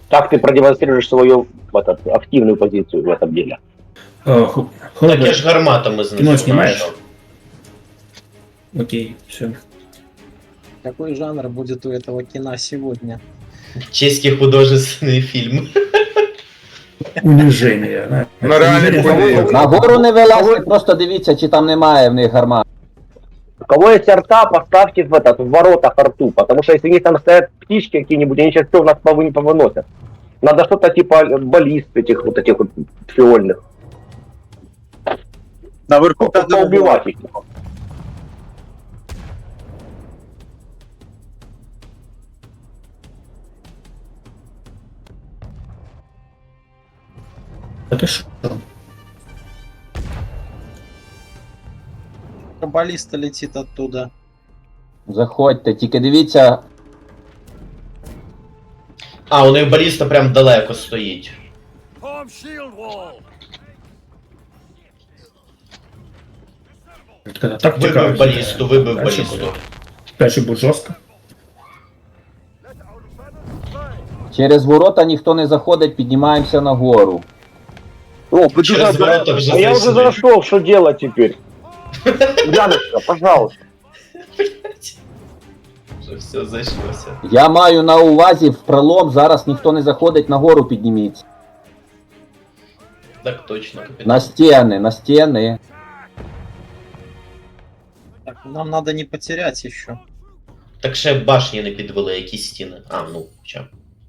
Как ты продемонстрируешь свою активную позицию в этом деле? Так я ж гарматами знизу. Кино снимаешь? Окей, все. Какой жанр будет у этого кино сегодня? Чеський художественний фільм. Унижение. Ну, реально, Унижение. На гору не вилазьте, просто дивіться, чи там немає в них гармат. У кого есть арта, поставьте в воротах арту, потому что если у них там стоят птички какие-нибудь, они сейчас все у нас повыносят. Надо что-то типа баллист этих вот фиольных. Наверху надо Поубивать их. Да ты шо? Баллиста летит оттуда. Заходьте, тільки дивіться, А, у них баліста прям далеко стоїть. Когда тактика, Вибив балісту, вибив дальше балісту. будет. Дальше будет жестко. через ворота ніхто не заходить, піднімаємося на гору. О, Через ворота вже а я уже зайшли. зашел, что делать теперь? Яночка, пожалуйста. Вже все зайшлося. Я маю на увазі в пролом, зараз ніхто не заходить, на гору підніміться. Так точно, капітан. На стіни, на стіни. Так, нам надо не потерять еще. Так ще башні не підвели, які стіни. А, ну, хоча.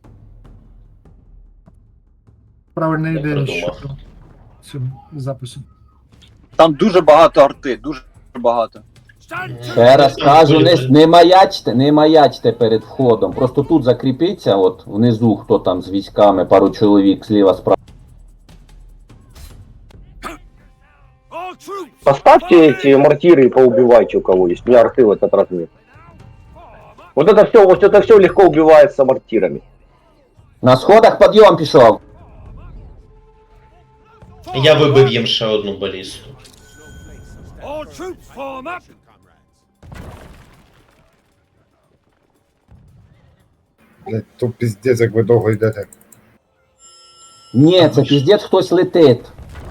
Правильна Я ідея придумав. щодо цього запису. Там дуже багато арти, дуже багато. Ще раз кажу, не маячте перед входом. Просто тут закріпіться, от внизу, хто там з військами, пару чоловік зліва справа. Поставьте эти мортиры и поубивайте у кого есть. У меня арты в этот раз нет. Вот это все легко убивается мортирами. На сходах підйом пішов. Я вибив їм ще одну балісту. Блядь, то пиздец, як ви довго йдете. Ні, це піздець хтось летить.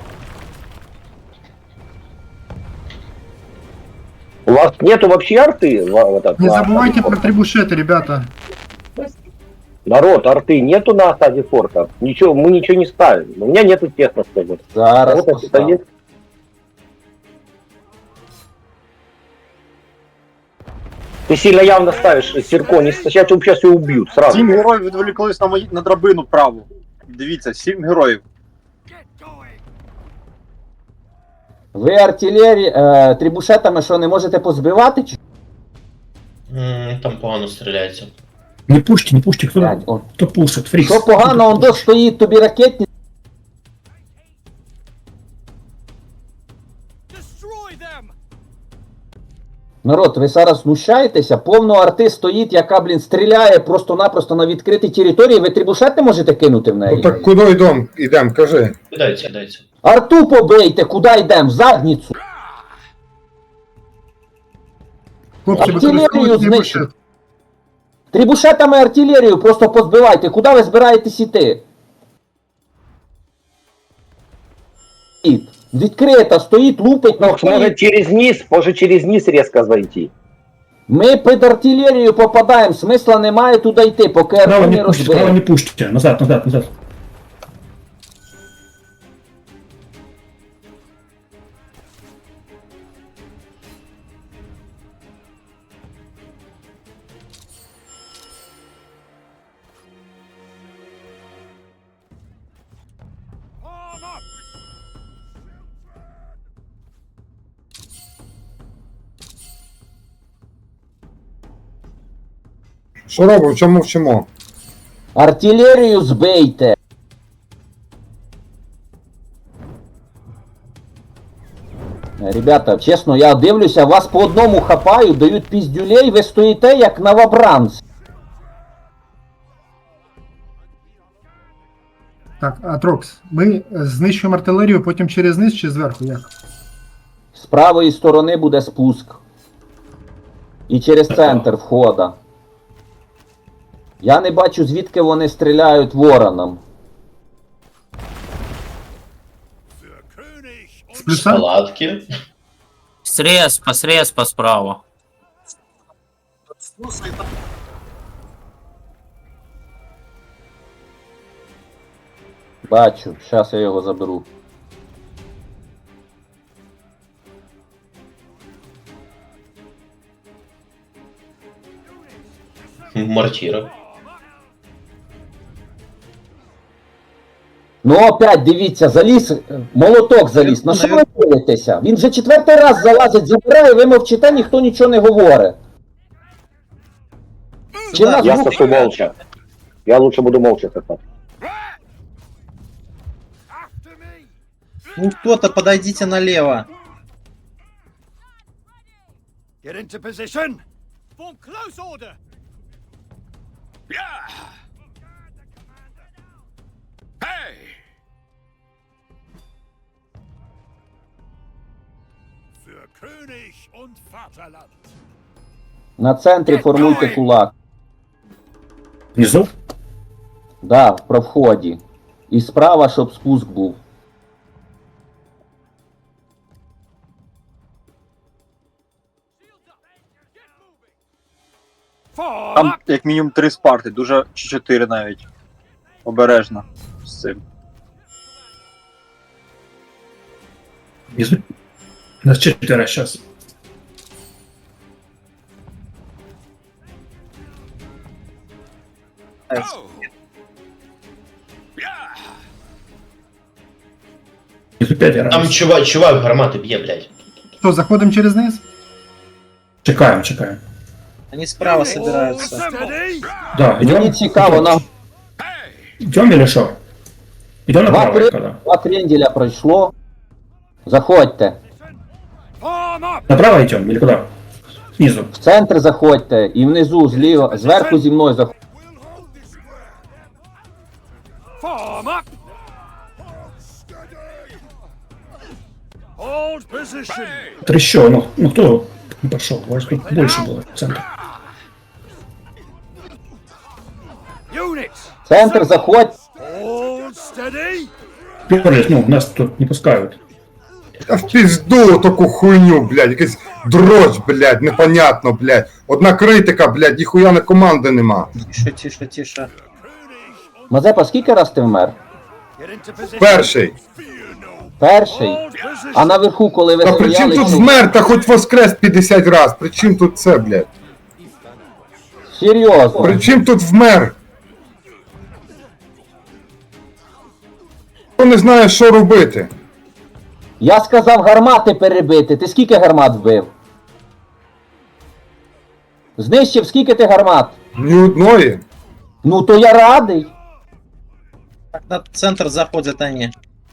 У вас нету вообще арты? Не забувайте про трибушеты, ребята. Народ, арты нету на осаде форта. Ничего, мы ничего не ставим. У меня нету техно, скажем. Зараз Вот это поставлю. есть. Ты сильно явно ставишь Серко, не сейчас тебя сейчас и убьют сразу. 7 героїв відволіклись на драбину праву. Дивіться, 7 героїв. Ви артилерії, трибушетами що, не можете позбивати? Чи? Там погано стріляється. Не пушьте, Блядь, о. кто пушит, фрикс. Що погано, он дощ стоїть, тобі ракетні. Народ, ви зараз знущаєтеся, повно арти стоїть, яка, блін, стріляє просто-напросто на відкритій території, ви трибушет не можете кинути в неї? Ну так куди йдем, кажи. Кидайте. Арту побийте, куди йдемо? В задницю. Хлопці, Артилерію використовуйте знищить. трибушет. Трибушетами артилерію просто позбивайте, куди ви збираєтесь іти? Відкрита, стоїть, лупить, Ну, может через низ резко зайти. Ми під артилерію попадаємо, смисла немає туди йти, поки Право арту не не пушьте, право розбили. не пушьте. Назад. Що робимо, чому вчимо? Артилерію збийте. Ребята, чесно, я дивлюся, вас по одному хапаю, дають піздюлей, ви стоїте як новобранці. Так, Атрокс, ми знищуємо артилерію, потім через низ чи зверху, як? З правої сторони буде спуск. І через центр входа. Я не бачу, звідки вони стріляють вороном. С плюса? Палатки. Срез по справа. Бачу, зараз я його заберу. Мортира. Ну опять, дивіться, заліз, молоток заліз. На що ви дивитеся? Він вже 4-й раз залазить, забирає, ви мовчите, ніхто нічого не говорить. Чи Сюда, нас Я звук- сошу молча. Я лучше буду молча сосать. Ну кто-то подойдите налево. Get into position. Form close order. Hey! Für König und Vaterland. На центрі формуйте кулак. Внизу? Да, про вході. І справа, щоб спуск був. Form Там up. як мінімум 3 спарти, дуже чи 4 навіть. Обережно з цим. Внизу? Нас 4 сейчас. Go. Yeah. Внизу 5 Там раз. чувак гармати б'є, блядь. Что, заходим через низ? Чекаем. Они справа собираются. Steady. Да, Мені идем. цікаво, нам Идем или что? Идем Два направо, кры- когда? 2 кренделя пройшло. Заходьте. Form up. Направо идем или куда? Снизу. В центр заходьте. І внизу, зліва, зверху зі мною заходьте. Form up. Hold position. Трещу, ну кто не пошел? У вас тут больше было в центре. Units. Центр заходь. Hold steady. Перлись, ну, нас тут не пускают. Та в пізду таку хуйню, блядь, якийсь дрож, блядь, непонятно, блядь. Одна критика, блядь, ніхуя не команди нема. Тише. Мазепа, скільки раз ти вмер? Get into position. Перший. Перший. Hold position. А наверху, коли ви Та при чим стріляли, тут чи- вмер, та хоч воскрес 50 раз, при чим тут це, блядь? Серйозно. При чим тут вмер? Хто не знає, що робити? Я сказав гармати перебити. Ти скільки гармат вбив? Знищив скільки ти гармат? Ні одної. Ну то я радий. Так, на центр заходят они.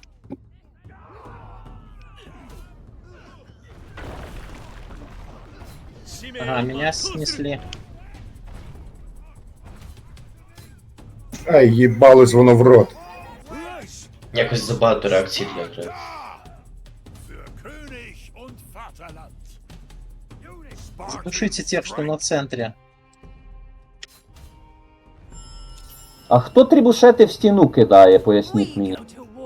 Ага, меня снесли. Ай, їбалось воно в рот. Якось забагато реакцій для гри. Für König und Vaterland. Units. Spartan. Душите тех, что на центре. А хто трибушети в стіну кидає, поясніть мені.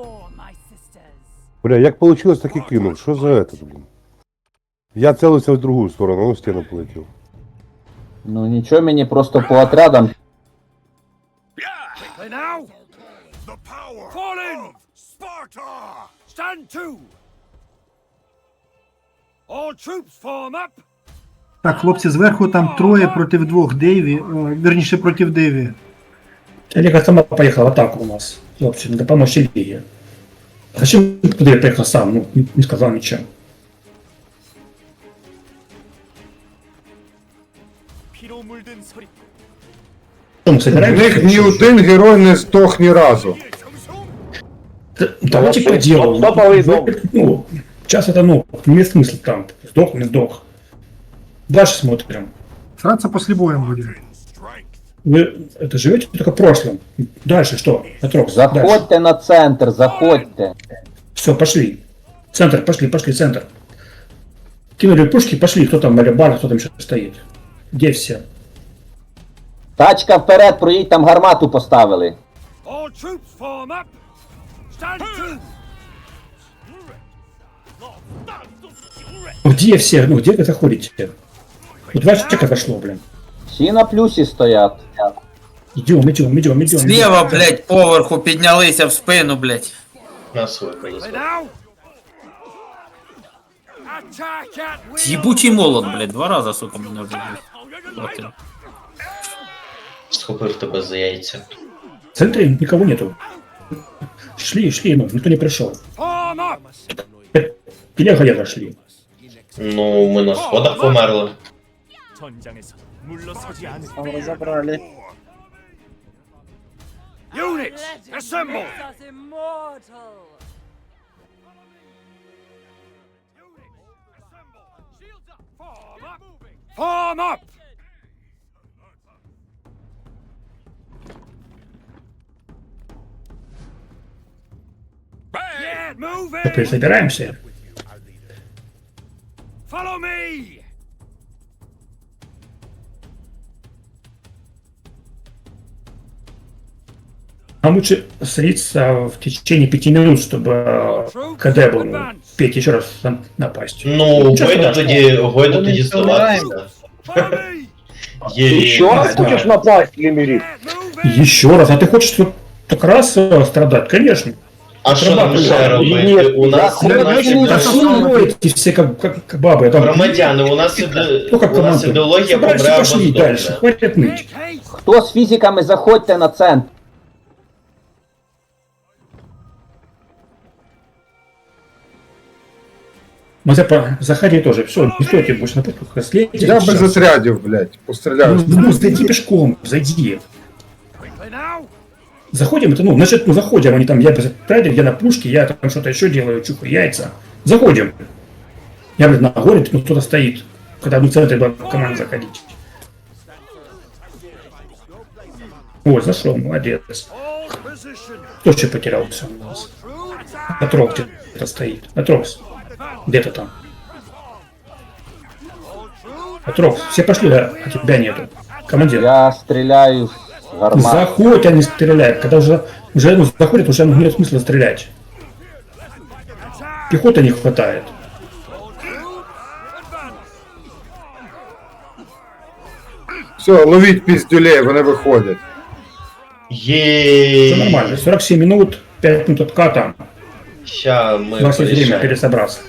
Бля, як получилось, так і кинув. Що за это, блін? Я целився в другу сторону, ну стіну полетів. Ну нічого, мені просто по отрядам. Quickly now. The power. Fall in. Sparta. Stand to. All troops form up. Так, хлопці, зверху там 3 проти 2 Дейві, верніше проти Дейві. Олега сама поехала в атаку у нас. Хлопцы, надо помочь Илье. Зачем ты туда приехал сам? Ну, не сказал ничего. 피로 물든 소리. Что, мы В собираемся? них ні один герой не здох ні разу. Давайте Вообще, по делу. вот топовый дом. Ну, сейчас это, ну, имеет смысл там. Сдох, не сдох. Дальше смотрим. Сраться после боя будем. Вы это живете только прошлым. Дальше что? Атрокс, дальше. Заходьте на центр, заходьте. Все, пошли. Центр, пошли, центр. Кинули пушки, пошли. Кто там, Малибар, кто там еще стоит? Где все? Тачка вперед, проїдь, там гармату поставили. All troops form up. Stand to. Где все? Ну, где вы заходите? Вот 2 человека зашло, блин. Всі на плюсі стоять. Идем. Зліва, блядь, поверху піднялися в спину, блядь. Нас випали. Play now. Attack at will. Єбучий молот, блядь, 2 рази, сука, мене вже, блядь. Схопив тебе за яйця. В центре никого нету. Шли, ну, никто не пришел. Form up. Пилега шли. Ну, ми на сходах померли. Там разобрали. Units, assemble. Form up. Yeah, move Теперь in. собираемся. Follow me. Нам лучше слиться в течение 5 минут, чтобы КД был, Петь еще раз напасть. Ну, Нічого Гойда страшного. тоді здаватися. Follow me. Еще раз Да. хочешь напасть, Лимерит? Yeah, move in. Еще раз, а ты хочешь вот так раз страдать? Конечно. А що нам ще робити? Ні, У нас Да вы эти все как бабы. Там, громадяни, у нас ну, как у нас команда. ідеологія Собрались и помре пошли або дальше. здохне. Хватит ныть. Make haste. Хто з фізиками, заходьте на центр. Заходи тоже. Все, не стойте больше на пушку. Следите. Я без отрядів, блядь, постріляю. Ну, зайди пешком, зайди. Quickly now. Заходим, это, ну, значит, ну, заходим, они там, я без отрядов, я на пушке, я там что-то еще делаю, чухаю яйца. Заходим. Я, блин, на горе, ну, кто-то стоит. Когда в центре была команда заходить. Ой, зашел, молодец. All position. Кто еще потерялся у нас? True attack. Отрок где-то стоит. Отрокс. Где-то там. Отрокс. Все пошли, да? А тебя нету. Командир. Я стріляю з гармати. Заходь, а не стреляй. Когда уже ну, заходят, уже нет смысла стрелять. Пехоты не хватает. Все, ловіть піздюлей, вони виходять. Є. Все нормально. 47 минут, 5 минут отката. Ща ми У вас есть время порішаємо. пересобраться.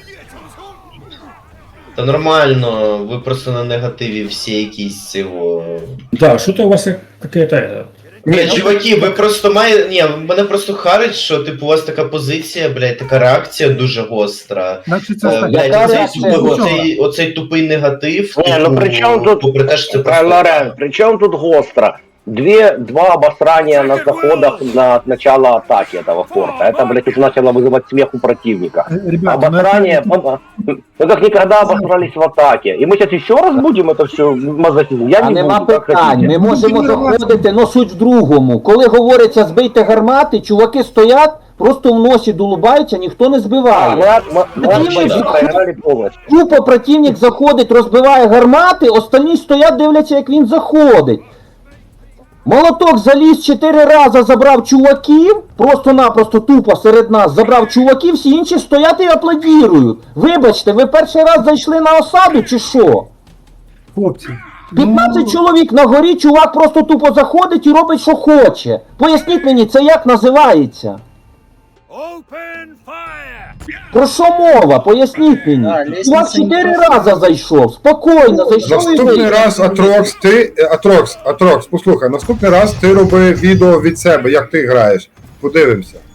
Та нормально, ви просто на негативі всі якісь цього. Да, что-то у вас какая-то... Ні, чуваки, ви просто маєте. Ні, мене просто харить, що типу у вас така позиція, блядь, така реакція дуже гостра. Значить, це Блядь, Яка оцей, реакція оцей тупий негатив. Не, ну при чому тут, попри те, що це просто. Лорен, при чем тут гостро? Два обосрания на заходах на начало атаки этого форта. Это, блядь, уже начало вызывать смех у противника. Ребята, Обосрание, мы как никогда обосрались в атаке. И мы сейчас еще раз будем это все мазохизм. Я А не нема буду, как питань, хотите. ми можемо заходити, но суть в другому. Коли говориться збийте гармати, чуваки стоять, просто в носі долубаються, ніхто не збиває. Мы проиграли полностью. Тупо противник заходить, розбиває гармати, останні стоять, дивляться, як він заходить. Молоток заліз 4 рази, забрав чуваків, просто-напросто тупо серед нас забрав чуваків, всі інші стоять і аплодірують. Вибачте, ви перший раз зайшли на осаду чи що? хлопці. 15 чоловік на горі, чувак просто тупо заходить і робить, що хоче. Поясніть мені, це як називається? Open fire. Про що мова? Поясніть мені. А, Чувак лестниця 4 рази зайшов, спокійно зайшов і Наступний вийшов. раз, Атрокс, послухай, наступний раз ти роби відео від себе, як ти граєш. Подивимося.